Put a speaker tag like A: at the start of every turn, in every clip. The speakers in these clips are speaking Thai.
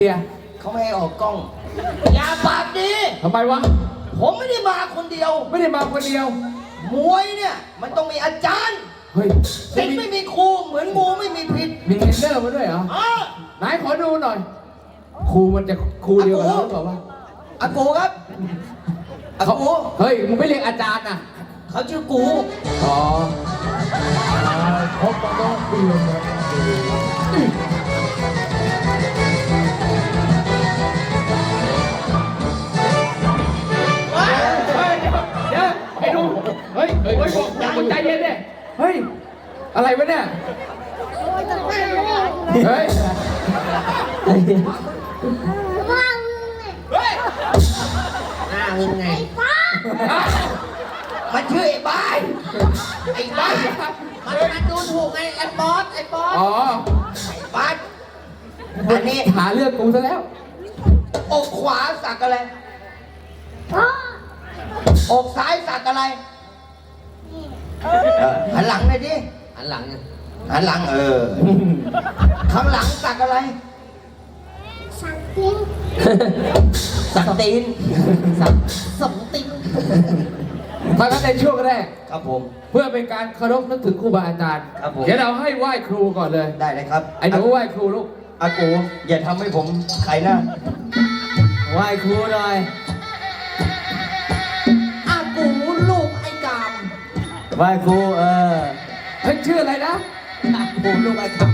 A: เขาไม่ให้ออกกล้องอย่าปากดี
B: ทำไมวะ
A: ผมไม่ได้มาคนเดียว
B: ไม่ได้มาคนเดียว
A: มวยเนี่ยมันต้องมีอาจารย์
B: เฮ้ย
A: ศิษย์ไม่มีครูเหมือนงูไม่มีพิษ
B: มีเทรนเนอร์มาด้วยเหรอไหนขอดูหน่อยครูมันจะครูเดียวกันหรือเปล่าวะ
A: อากูครับอากู
B: เฮ้ยมึงไม่เรียกอาจารย์นะ
A: เขาชื่อกู
B: อ๋อ
C: พบกันต้องเปลี่ยนนะ
B: ไอ้ดูเฮ้ยบอกมึงใจเย็นดิเฮ้ยอะไรวะเนี่ยเฮ้ย
A: หน้ามึงไงมันชื่อไอ้บ้านมันดูถูกไงไอ้บอส
B: อ๋อ
A: ไอ้บ้านอันนี้
B: หาเรื่องกูซะแล้ว
A: อกขวาสักอะไรอกซ้ายสักอะไรหันหลังเลยดิหันหลังข้างหลังสักอะไรสักตีนสักตีน
B: ถ้างั้นในช่วงแรก
A: ครับผม
B: เพื่อเป็นการเคารพนึกถึงครูบาอาจารย์เดี๋ยวเราให้ไหว้ครูก่อนเลย
A: ได้เลยครับ
B: ไอ้หนูไหว้ครูลูก
A: อากูอย่าทำให้ผมใครนะไหว้ครูหน่อยอากูลูกไอ้กามไหว้ครู
B: เฮ้ยชื่ออะไรนะ
A: อากูลูกไอ้กาม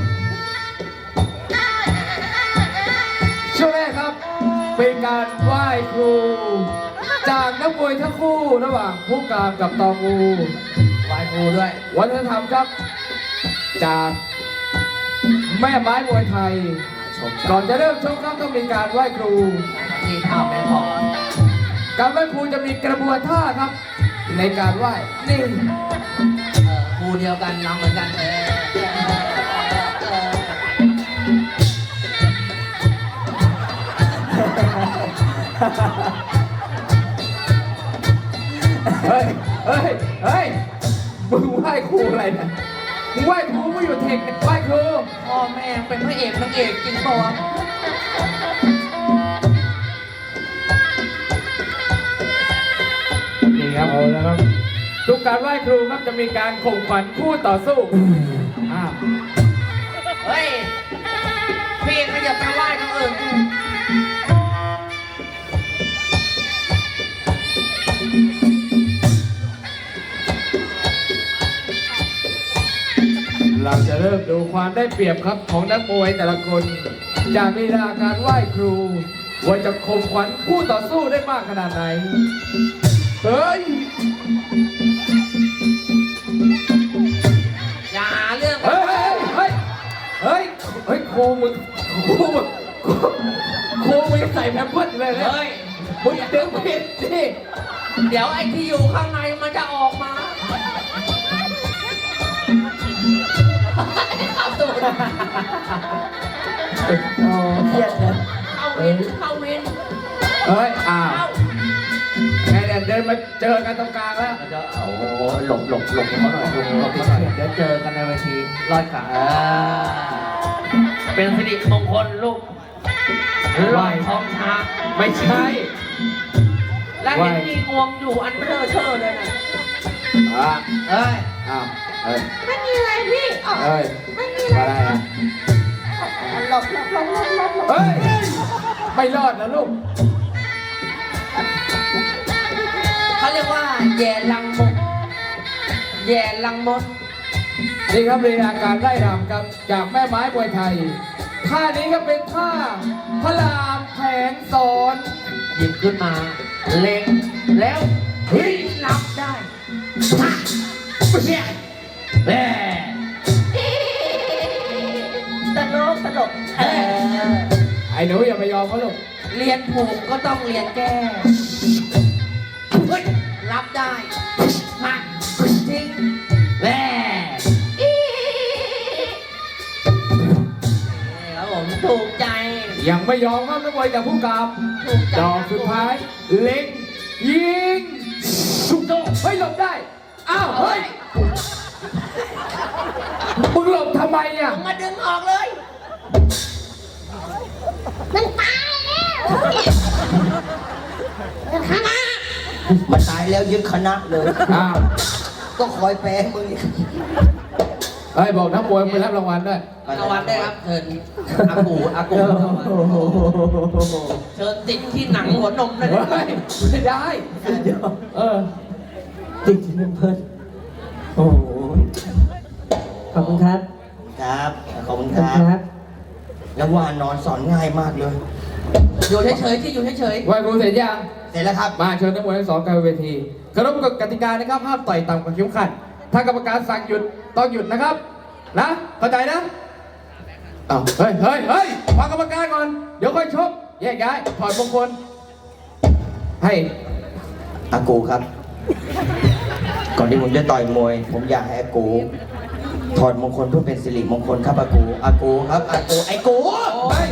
B: ช่วงแรกครับเป็นการไหว้ครูจากนักมวยทั้งคู่ระหว่างผู้การกับตองงู
A: ไหว้ครูด้วย
B: วัฒนธรรมครับจากแม่ไม้มวยไทยก่อนจะเริ่มชกครับต้องมีการไหว้ครู
A: ที่ท่าแม่พอ
B: การไหว้ครูจะมีกระบวนท่าครับในการไหว้นี่
A: ครูเดียวกันน้ำเหมือนกัน
B: เฮ้ยมึงไหว้ครูอะไรเนี่ยมึงไหว้ครูไม่อยู่เทคไหว้ครู
A: พ่อแม่เป็นพระเอกนางเอกจริงป่ะ
B: นี่ครับเอาแล้วครับทุกการไหว้ครูครับจะมีการข่มขวัญคู่ต่อสู้
A: เฮ้ยพี่ขยับไปไหว้ทั้งอื่น
B: เราจะเริ่มดูความได้เปรียบครับของนักมวยแต่ละคนจากลีลาการไหว้ครูว่าจะข่มขวัญคู่ต่อสู้ได้มากขนาดไหนเฮ้ย
A: อย่าเรื่อง
B: เฮ้ยครูมึงใส่แพมเพิร์สเลยนะมึงดึงผิดสิ
A: เดี๋ยวไอ้ที่อยู่ข้างในมันจะออกมาเข้าตูดโอ้เครียดเลยเข้าวิน
B: เฮ้ยไงเนี่ยเดินมาเจอกันตรงกลางแล้ว
A: โอ้หลบเขาหน่อยเดี๋ยวเจอกันในเวทีลอยขาเป็นสิริมงคลลูกลอยท้องช้าง
B: ไม่ใช่
A: แล้วเห็นมีงวงอยู่อันเบลอเชื่อเลยนะไม่มีอะไรพี่ไม่มีอะไรหลบ
B: เฮ้ยไม่รอดนะลูก
A: เขาเรียกว่าแย่ลังมด
B: นี่ครับลีลาการไล่รำครับจากแม่ไม้มวยไทยท่านี้ก็เป็นท่าพระรามแผนสอน
A: หยิบขึ้นมาเล็งแล้วเฮ้ยรับได้เนี่ยแหมตลก
B: ไอ้หนูอย่าไปยอมเขาลูก
A: เรียนผูกก็ต้องเรียนแก้เฮ้ยรับได้หักทิ้งแหมครับผมถูกใจ
B: ยังไม่ยอมครับนักมวยจากผู้กำดอกสุดท้ายเล็งยิงสุดโตเฮ้ยหลบได้อ้าวเฮ้ยมึงหลบทำไมเนี่ย
A: มึงมาดึงออกเลย
C: มันตายแล้วมันคณะ
A: มันตายแล้วยึดคณะเลย
B: อ้าว
A: ก็คอยแปลมึงอีก
B: เฮ้ยบอกนักมวยไปรับรางวัลด้วย
A: รางวัลได้ครับเชิญอากูเชิญติดที่หนังหัวนมได้ไหม
B: เฮ้ยไม่ได้ เออ
D: ติดเงินเพิ่นโอ้โหขอบคุณครับ
A: ครับขอบคุณ
D: ข
A: ค
D: อบคุณ
A: รับ
D: ครับ
A: แล้วว่านอนสอนง่ายมากเลย อยู่เฉยๆที่อยู่เฉย
B: ไหวครูเสร็จยัง
A: ๆเสร็จแล้วครับ
B: มาเชิญนักมวยทั้งสองกลางเวทีเคารพกติกานะครับห้ามต่อยต่ำกว่าเข็มขัด ถ้ากรรมการสั่งหยุดต้องหยุดนะครับ นะ เข้าใจนะอ้าวเฮ้ยฟังกรรมการก่อน เดี๋ยวค่อยชก แยกย้าย ถอดมงคล ให้
A: อากูครับ ก่อนที่ผมจะต่อยมวย ผมอยากให้อากูถอดมงคลเพื่อเป็นสิริมงคลครับอากูครับอากูไอ้กู
B: เฮ้ย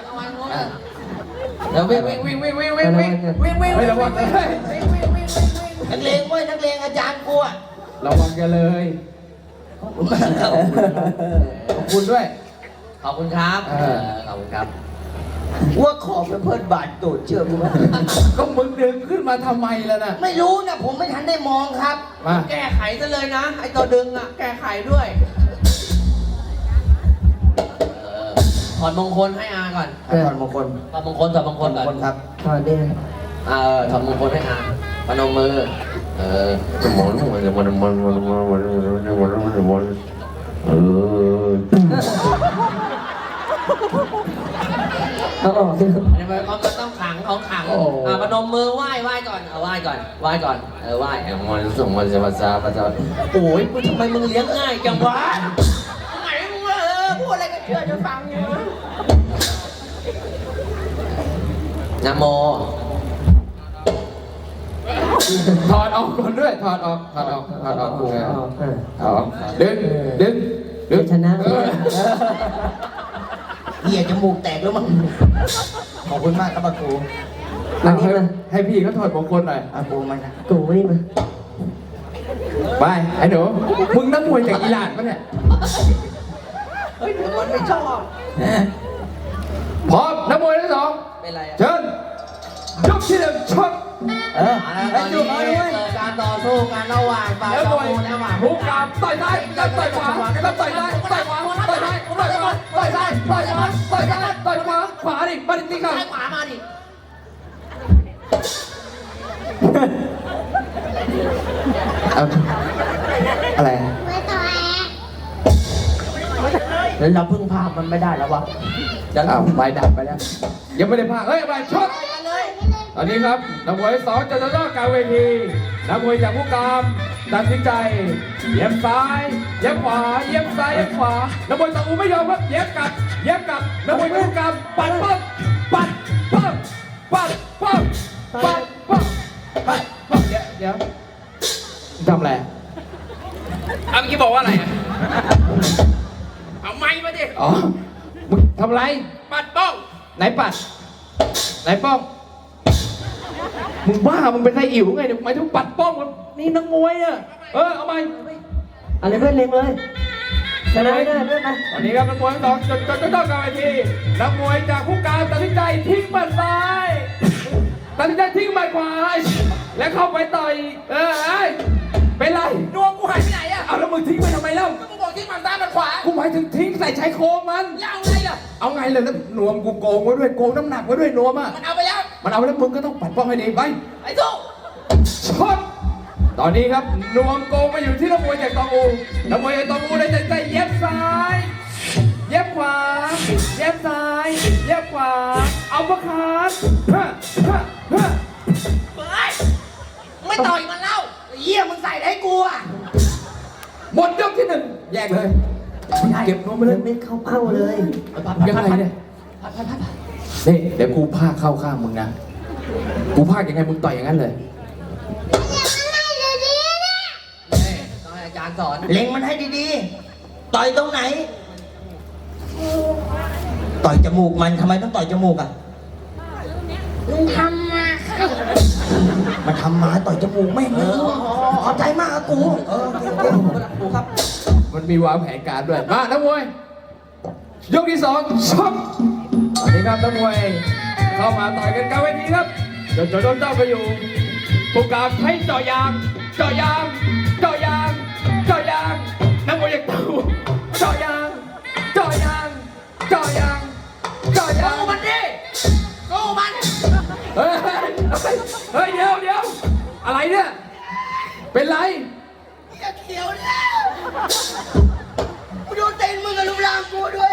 A: เดี๋ยววิ่ง
B: ไม่ระวังเลย
A: นักเลงเว้ยนักเลงอาจารย์กูอะ
B: ระวังกันเลย
A: ขอบคุณมากครับ
B: ขอบคุณด้วย
A: ขอบคุณครับ ขอบคุณครับว่าขอบเป็นเพื่อนบาดตูดเชื่อมึงไหม
B: ก็มึงดึงขึ้นมาทำไมล่ะน่ะ
A: ไม่รู้นะผมไม่ทันได้มองครับ
B: มา
A: แก้ไขซะเลยนะ ไอตัวดึงอ่ะ แก้ไขด้วยถอดมงคลให้อาก่อนถอดมงคลถอดมงคลก่อนครับ
D: ถอดเนี่ย
A: ถอดมงคลให้อาพนมมือ
D: เอาออกสิครับ
A: มันต้องขังของขังพนมมือไหว้ก่อนไหว้ก่อนไหว้มันส่งมันจะภาษาโอ้ยทำไมมึงเลี้ยงง่ายจังวะไหนมึงพูดอะไรก็เชื่อจะฟังอยู่นะโม
B: ถอดออกก่อนด้วย ถอดออกกูไงเอาออกดึง
D: ชนะ
A: เหี้ยจมูกแตกแล้วมั้งขอบคุณมากครับอากู
D: อันนี้มา
B: ให้พี่เขาถอดมงคลหน่อย
A: อากูมันนะ
D: กูนี่มา
B: ไป ไอ้หนูมึงนักมวยจากอิหร่านปะเนี่ย
A: เฮ้ยมันไม่ชอบ
B: พร้อมนักมวยทั้งสอง
A: เป็นไรอ่ะ
B: เชิญยกที่หนึ่งชก
A: แล้วดูเขาด้วยการต่อสู้กันระหว่างฝ่าย
B: แล้ว
A: ต่
B: ม
A: อ
B: วย
A: สู้ระหว่าง
B: หุกกามต่อยซ้ายต่อยขวาต่อยซ้ายต่อยขวาต่อยซ้ายต่อยขวาต่อยซ้ายต่อยขวาต่อยซ้ายต่อยขวาขวาดิมาดิตีกัน
A: ซ้ายขวามาดิ
B: อะไร
C: ไม่ต่อย
A: แล้วเราพึ่งพามันไม่ได้แล้ววะ
B: อ้าวไปดับไปแล้วยังไม่ได้พาเฮ้ยไปชก
A: เลย
B: ตอนนี้ครับนักมวยสองจะต่อกลางเวทีนักมวยจากผู้กามตัดสินใจเย็บซ้ายเย็บขวาเย็บซ้ายเย็บขวานักมวยตะอูไม่ยอมครับเย็บกลับนักมวยจากผู้กามปัดปั๊บเดี๋ยวทำอะไร
E: เอาเมื่อกี้บอกว่าอะไรอ่ะ เอาไม้มาดิ
B: อ๋อมึงทำอะไร
E: ปัดป้อง
B: ไหนปัดไหนป้องมึงบ้ามึงเป็นไส้อิ๋วไงเดี๋ยวหมายถึงปัดป้องนี่นักมวยอ่ะเอาไหม
D: อะไรเพื่อนเล็งเลยชนะได้เพื่อนมา
B: ตอนนี้ครับนักมวยทั้งสองจะต้องกลางเวทีนักมวยจากผู้การตัดสินใจทิ้งหมัดซ้ายตัดสินใจทิ้งหมัดขวาและเข้าไปต่อยเป็นไร
E: ดวงกูหายไปไหนอ่ะ
B: เอาแล้วมึงทิ้งไปทำไมเล่า
E: ก็มึงบอกที่มันซ้ายมันขวา
B: กูหมายถึงทิ้งใส่ชายโครงมัน
E: แล้วเอาไงล่ะ
B: เอาไงเลยแล้วนวมกูโกงไว้ด้วยโกงน้ำหนักไว้ด้วยนวมอ่ะ
E: มันเอาไปแล้ว
B: มันเอาแล้วมึงก็ต้องปัดป้องให้ดีไป
E: ไอ้สู้
B: ช็อตตอนนี้ครับนวมโกงมาอยู่ที่นักมวยจากตองอูนักมวยจากตองอูเลยใจเย็บซ้ายเย็บขวาเย็บซ้ายเย็บขวาเอาประคาน
A: เฮ้ยไม่ต่อยมันเล่าเยี่ยมึงใส่ให้กูอ่ะ
B: หมดยกที่หนึ่งแยกเลยเก็บนวมไปเลย
D: ไม่เข้าเป้าเลย
B: ยังไงเนี่ยนี่เดี๋ยวกูพากเข้าข้างมึงนะกูพากยังไงมึงต่อยอย่างนั้นเลย
A: ต้องให้อาจารย์สอนเล็งมันให้ดีๆ ต่อยตรงไหน ต่อยจมูกมันทำไมต้องต่อยจมูกอ่ะ
C: มันทำมาค่ะ
A: มันทำมาต่อยจมูกไม่ขอบใจมากอะกูกูครับ
B: มันมีวางแผนการด้วยมานักมวยยกที่สองช็อตตอนนี้นี้ครับนักมวยเข้ามาต่อยกันกลางเวทีครับจนโดนเจ้าไปอยู่ผู้การให้เจาะยางเจาะยางเจาะยางเจาะยางนักมวยยังตู่เจาะยางเจาะยางเจาะยางเจาะยาง
A: สู้มันดิสู้มัน
B: เฮ้ยเฮ้ยเดี๋ยวอะไรเนี่ยเป็นไร
A: อย่าเขียวแล้วกูดูเต้นมึงกับรูปร่างกูด้วย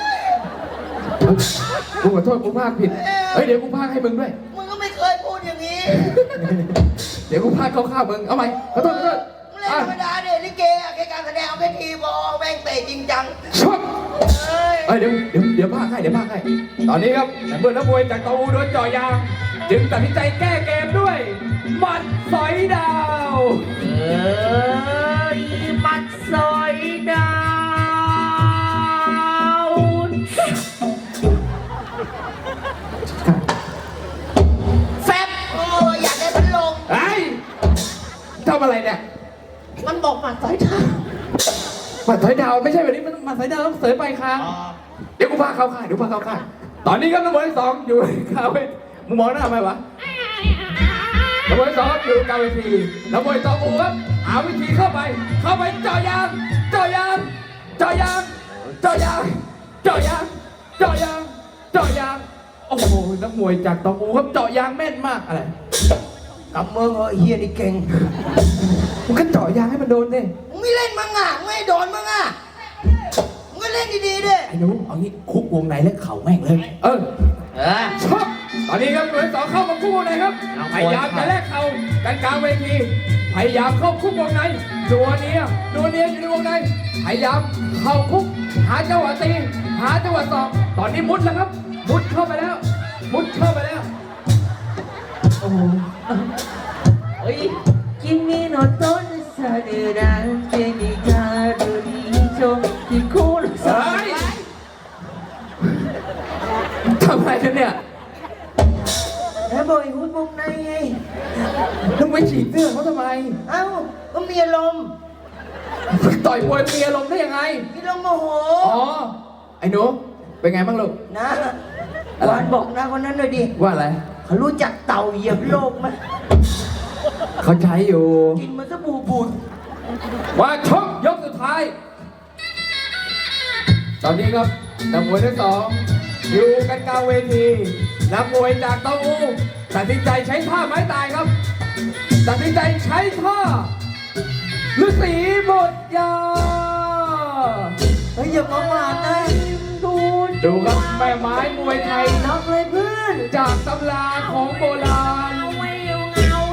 B: กูขอโทษกูพากผิดเฮ้ยเดี๋ยวกูพากให้มึงด้วย
A: มึงก็ไม่เคยพูดอย่างนี้
B: เดี๋ยวกูพากเข้ามึงเอาใหม่ขอโทษ
A: มึงเล่นธรรมดาเด็ลิเกอะแค่การแสดงเอาแค่ทีบอลแม่งเตะจริงจัง
B: ชอบ
A: เฮ้ย
B: เฮ้ยเดี๋ยวพากให้ตอนนี้ครับเมื่อนักมวยจากตะอูโดนเจาะยางจึงตัดสินใจแก้เกมด้วยหมัดสอยดาว
A: มัดซอยดาว แฟบอยากได้พัดลม
B: เฮ้ยทำอะไรเนี่ย
A: มันบอกมัดซอยดาว
B: หมัดสอยดาวไม่ใช่แบบนี้มันหมัดสอยดาวต้องเสยไปครับเดี๋ยวกูพาเข้าค่ายตอนนี้ครับนักมวยที่สองอยู่คาเฟ่มึงมองหน้าทำไมวะนักมวยที่สองอยู่กลางเวทีนักมวยต่ออูครับหาวิธีเข้าไปเจาะยางเจาะยางเจาะยางเจาะยางเจาะยางเจาะยางเจาะยางโอ้โหนักมวยจากตออูครับเจาะยางแม่นมากอะไร
A: กับมึงเฮียนี่เก่ง
B: มึงก็เจาะยางให้มันโดนดิ
A: มึงไม่เล่นมั้งอ่ะมึงไม่โดนมั้งอ่ะมึงก็เล่นดีๆดิ
B: ไอ้หนูเอางี้คุกวงในแล้วเข่าแม่งเลยชอบตอนนี้ครับหน่วยสองเข้ามาคุกวงในครับพยายามจะแลกเข่ากันกลางเวทีพยายามเข้าคุกวงในนัวเนียอยู่ในวงในพยายามเข้าคุกหาจังหวะตีหาจังหวะสอบตอนนี้มุดแล้วครับมุดเข้าไปแล้วโอ้โห
A: เฮ้ย
C: 君の遠さでなんてにかる以上にこの
B: เฮ้ยทำอะไรกันเนี่ย
C: แล้วบ่อยหุ้นวงในไง
B: ต้องไปฉีกเสื้อเขาทำไม
C: เอ้าก็มีอารมณ์
B: ต่อยมวยมีอารมณ์ได้ยังไง
C: มีอารมณ์โมโห
B: อ๋อ ไอ้หนู เป็นไงบ้างลูก
C: นะหวานบอกนะคนนั้นหน่อยดิ
B: ว่าอะไร
C: เขารู้จักเต่าเหยียบโลกไหม
B: เขาใช้อยู่
C: กินมันสบู่บูด
B: ว่าชกยกสุดท้าย ตอนนี้ครับนักมวยทั้งสองอยู่กันกลางเวทีนักมวยจากเตาอูตัดสินใจใช้ท่าไม้ตายครับ ตัดสินใจใช้ท่าฤาษีบทยา
C: เฮ้ยอย่าประมาทนะดู
B: ดูครับแม่ไม้มวยไทย
C: น็อกเลยเพื่อน
B: จากตำราของโบราณ
C: เอาไว้มึงเอา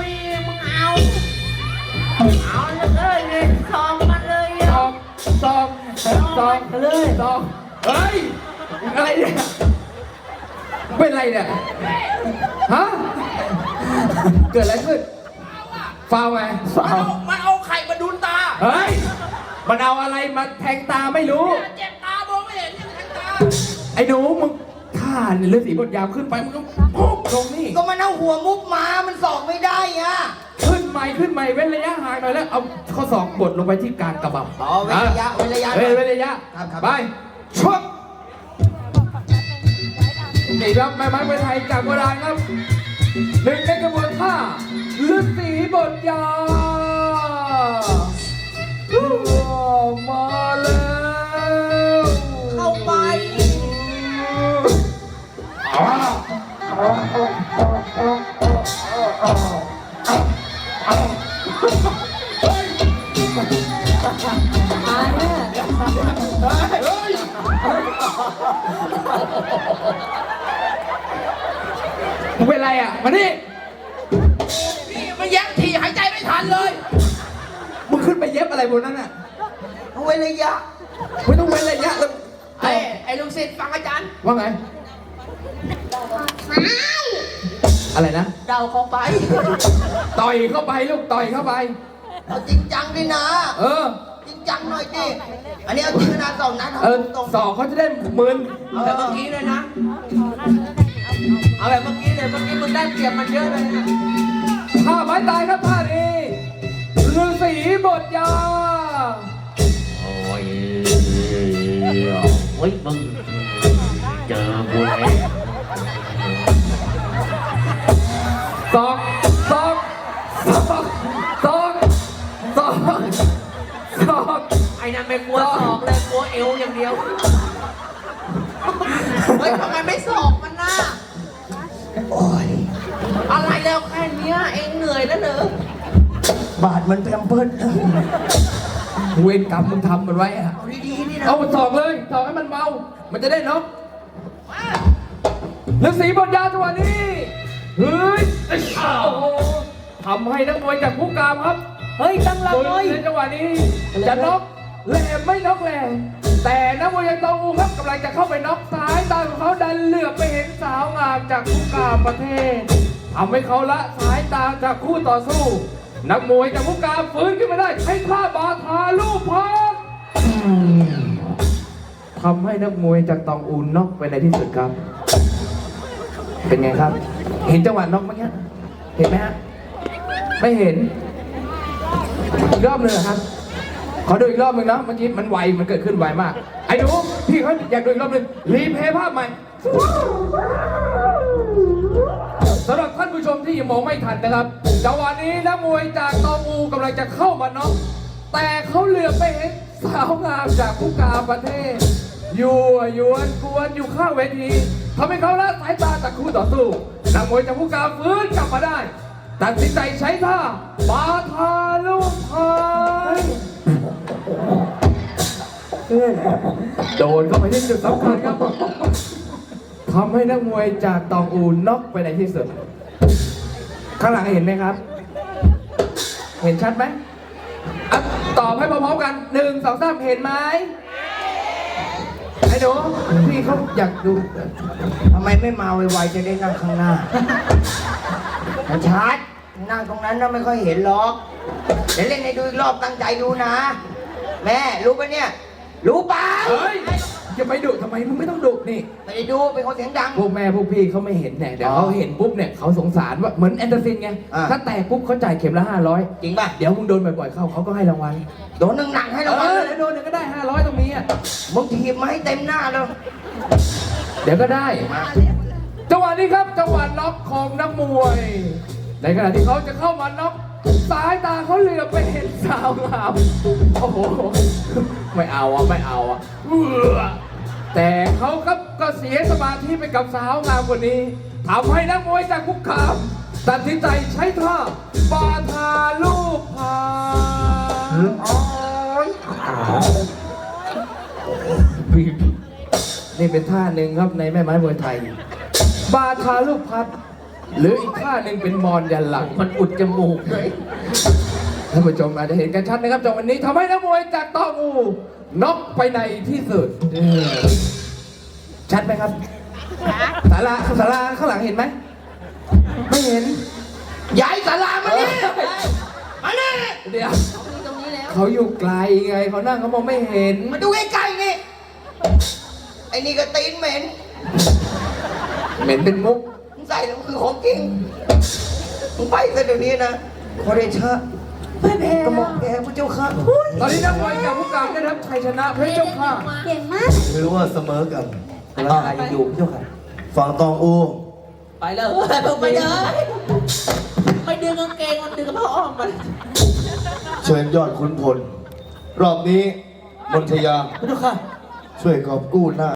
C: เลยซองมันเลย
B: ซองเลยซองเฮ้ยอะไรเนี่ยเป็นอะไรเนี่ยฮะเกิดอะไรขึ้นฟาวไงฟาว
E: มันเอาไข่มาดุนตา
B: เฮ้ยมันเอาอะไรมาแทงตาไม่รู้
E: เจ็บตามองไม่เห็นยังแทงตา
B: ไอ้หนูมึงท่าเนี่ยเลือดสีบดยาวขึ้นไปมึงก็พุ่งลงนี่
A: ก็มันเอาหัวมุกมามันสอกไม่ได้อ่ะ
B: ขึ้นใหม่เว้นระยะห่างหน่อยแล้วเอาข้อศอกกดลงไปที่กลางกระบัง
A: อ๋อเว้นระยะ
B: เว้นระยะ
A: ครับ
B: ไปชกนี่ครับแม่ไม้มวยไทยจากโบราณครับหนึ่งในกระบวนท่าฤาษีบทยามาแล้ว
A: เข้าไป
C: มาเนี่ย
B: มึงเป็นไรอ่ะมานี่
E: พี่มันแย่งทีหายใจไม่ทันเลย
B: มึงขึ้นไปเย็บอะไรบนนั้นอ่ะ
A: เอาเว้นระยะ
B: ไม่ต้องเว้นระยะแล้ว
E: ไอ้ลูกศิษย์ฟังอาจารย์
B: ว่าไง อะไรนะ
A: เดาเข้าไป
B: ต่อยเข้าไปลูกต่อยเข้าไป
A: เอาจริงจังดินะ
B: เออ
A: จริงจังหน่อยดิอันนี้เอาจริงนะสองนัด
B: เออ
A: ตรง
B: สอกเขาจะได้มึน
A: เอาแบบเมื่อกี้เลยนะ เอาแบบเมื่อกี้เลยเมื่อกี้มึงได้เปรียบมันเยอะเลยนะ
B: ท่าไม้ตายครับท่านี้ฤาษีบทยา
F: โอ้ยมึงเจอกูแล้ว
B: ศอกศอกศอกศอกศอกศอก
A: ไอ้นั่นไม่กลัวศอกเลยกลัวเอวอย่างเดียว
E: เฮ้ยทำไมไม่สอบมันน่ะ
C: โอ้ย
A: อะไรแล้วแค่เนี้ยเองเหนื่อยแล้วเนอะ
C: บาดมันแพมเพิร์ส
B: เวรกรรมมึงทำมันไว้อะ
C: เอาดีๆนี่นะ
B: เอาศอกเลยศอกให้มันเบามันจะได้น็อกฤาษีบนยาจังหวะนี้เฮ้ยโอ้โหทำให้นักมวยจากผู้กามครับ
D: เฮ้ยตั้งหลักเลย
B: ในจังหวะนี้จะน็อกแหลมไม่น็อกแหลมแต่นักมวยยังตองอูครับกำลังจะเข้าไปน็อกซ้ายตาของเขาดันเหลือบไปเห็นสาวงามจากผู้กามประเทศทำให้เขาละสายตาจากคู่ต่อสู้ นักมวยจากผู้กามฟื้นขึ้นมาได้ใช้ท่าบาทาลูกพักทำให้นักมวยจากตองอูน็อกไปในที่สุดครับ เป็นไงครับ เห็นจังหวะน็อกไหมฮะเห็นไหมฮะไม่เห็นอีกรอบหนึ่งเหรอครับ ขอดูอีกรอบหนึ่งนะเมื่อกี้มันไวมันเกิดขึ้นไวมากไอ้หนูพี่เขาอยากดูอีกรอบหนึ่งรีเพย์ภาพใหม่สำหรับท่านผู้ชมที่ยังมองไม่ทันนะครับจังหวะนี้นักมวยจากตองอูกำลังจะเข้ามาน็อกแต่เขาเหลือบไปเห็นสาวงามจากผู้กามประเทศยั่วยวนกวนอยู่ข้างเวทีทำให้เขาละสายตาจากคู่ต่อสู้นักมวยจากผู้กามฟื้นกลับมาได้ตัดสินใจใช้ท่าบาทาลูกพายโดนเข้าไปที่จุดสำคัญครับทำให้นักมวยจากตองอูน็อกไปในที่สุดข้างหลังเห็นไหมครับ เห็นชัดไหมอ่ะตอบให้พร้อมๆกัน1 2 3เห็นไหมไอ้หนูพี่เขาอยากดู
C: ทำไมไม่มาไวๆจะได้นั่งข้างหน้ามันชัดนั่งตรงนั้นนะไม่ค่อยเห็นหรอกเดี๋ยวเล่นให้ดูอีกรอบตั้งใจดูนะ แม่รู้ปะเนี่ย รู้เปล่า
B: เฮ้ยจะไปดุทำไมมึงไม่ต้องดุนี่
C: ไม่ได้ดูเป็นคนเสียงดัง
B: พวกแม่พวกพี่เขาไม่เห็นเนี่ยเดี๋ยวเขาเห็นปุ๊บเนี่ยเขาสงสารว่าเหมือนแอนเดอร์ซินไง
C: อ่า
B: ถ้าแตกปุ๊บเขาจ่ายเข็มละ500
C: จริงป่ะ
B: เดี๋ยวมึงโดนบ่อยๆเข้าเขาก็ให้รางวัล
C: โดนหนักๆให้รางวัลเลย
B: เดี๋ยวโดนเดี๋ยวก็ได้500ตรงนี้อ่ะ
C: มึงถีบมาให้เต็มหน้าเลย
B: เดี๋ยวก็ได้จังหวะนี้ครับจังหวะน็อกของนักมวย ในขณะที่เขาจะเข้ามาน็อกสายตาเขาเหลือบไปเห็นสาวงามโอ้โหไม่เอาอ่ะไม่เอาอ่ะแต่เขาครับก็เสียสมาธิไปกับสาวงามคนนี้ทำให้นักมวยจากคุกคามตัดสินใจใช้ท่าบาทาลูกพายนี่เป็นท่าหนึ่งครับในแม่ไม้มวยไทย บาทาลูกพัด หรืออีกท่าหนึ่งเป็นมอนยันหลังมันอุดจมูกเลยท่านผู้ชมอาจจะเห็นกันชัดนะครับจังหวะนี้ทำให้นักมวยจากตองอูน็อกไปในที่สุดชัดไหมครับศาลาข้างหลังเห็นไหมไม่เห็น
C: ย้ายศาลามานี่มานี่
B: เดี๋ยวเขาอยู่ไกลไงเขานั่งเขามองไม่เห็น
C: มาดูใกล้ๆนี่ไอ้นี่ก็ตีนเหม็น
B: เหม็นเป็นมุก
C: มึงใส่แล้วมันคือของจริงมึงไปซะเดี๋ยวนี้นะขอเดชะกระหม่อมแกพระเจ้าค่ะ
B: ตอนนี้นักมวยจากผู้การได้รับชัยชนะเพชรเจ้าค่ะ
G: เก่งมาก
H: ถือว่าเสมอกัน
C: ราคายังอยู่พระเจ้าค่ะ
H: ฝั่งตองอู
A: ไปเลยมึงไปเลยไปดึงกางเกงมันดึงกระเพาะออกมา
H: เชิญยอดขุนพล รอบนี้มนทยา
C: พระเจ้าค่ะ
H: ช่วยกอบกู้หน้า